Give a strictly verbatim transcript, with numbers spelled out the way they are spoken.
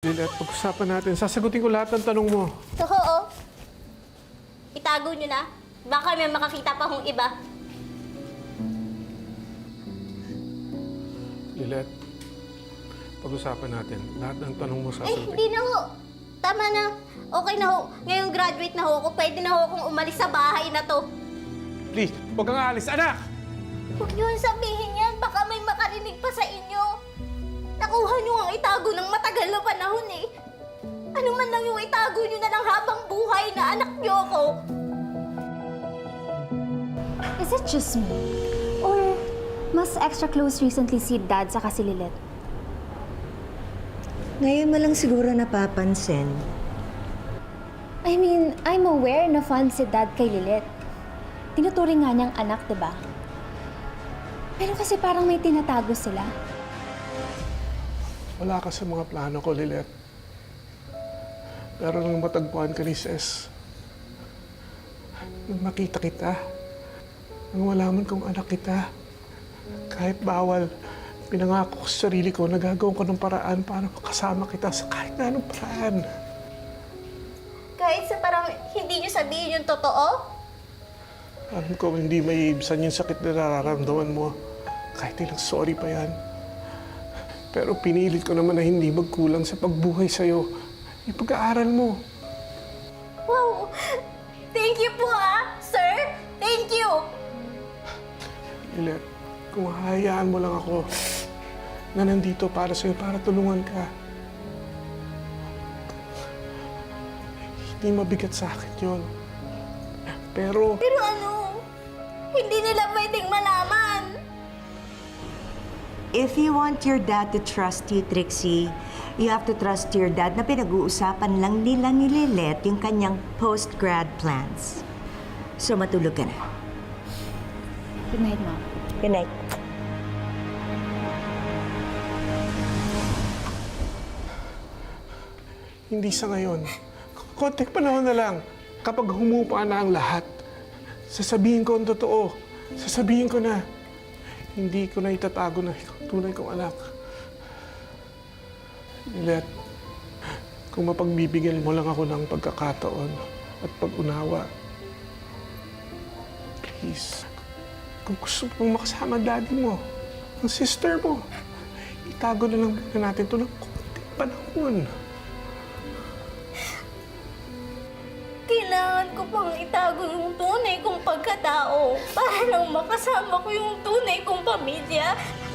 Lilet, pag-usapan natin. Sasagutin ko lahat ng tanong mo. Oo. Itago nyo na. Baka may makakita pa hong iba. Lilet, pag-usapan natin. Lahat ng tanong mo Ay, sasagutin. hindi na ho. Tama na. Okay na ho. Ngayong graduate na ho ako. Pwede na ho akong umalis sa bahay na to. Please, huwag kang aalis. Anak! Huwag nyo sabihin yan. Baka may makarinig pa sa inyo. Nakuha nyo ang itago ng matagal na panahon eh. Ano man lang yung itago nyo na lang habang buhay na anak nyo ako. Is it just me? Or mas extra close recently si Dad sa si Lilet? Ngayon mo lang siguro napapansin. I mean, I'm aware na fond si Dad kay Lilet. Tinuturing nga niyang anak, diba? Pero kasi parang may tinatago sila. Wala ka sa mga plano ko, Lilet. Pero nang matagpuan ka ni Ses, nang makita kita, nang malaman kong anak kita, kahit bawal, pinangako ko sa sarili ko na gagawin ko ng paraan para makasama kita sa kahit na anong paraan. Kahit sa parang hindi nyo sabihin yung totoo? Alam ko hindi may ibsan yung sakit na nararamdaman mo. Kahit ilang sorry pa yan. Pero pinilit ko naman na hindi magkulang sa pagbuhay sa'yo. Yung pag-aaral mo. Wow! Thank you po ah, sir! Thank you! Lilet, kung hahayaan mo lang ako na nandito para sa'yo, para tulungan ka. Hindi mabigat sa akin yun. Pero... Pero ano? Hindi nila pwedeng malaman. If you want your dad to trust you, Trixie, you have to trust your dad na pinag-uusapan lang nila ni Lilet yung kanyang post-grad plans. So matulog ka na. Good night, Mom. Good night. Hindi sa ngayon. Konting panahon na lang. Kapag humupa na ang lahat, sasabihin ko ang totoo. Sasabihin ko na, hindi ko na itatago na ikaw ang tunay kong anak. Lilet, kung mapagbibigyan mo lang ako ng pagkakataon at pag-unawa, please, kung gusto mong makasama ang daddy mo, ang sister mo, itago na lang muna natin ito ng konting panahon. Kailangan ko pang itago yung tunay kong pagkatao para lang makasama ko yung tunay kong pamilya.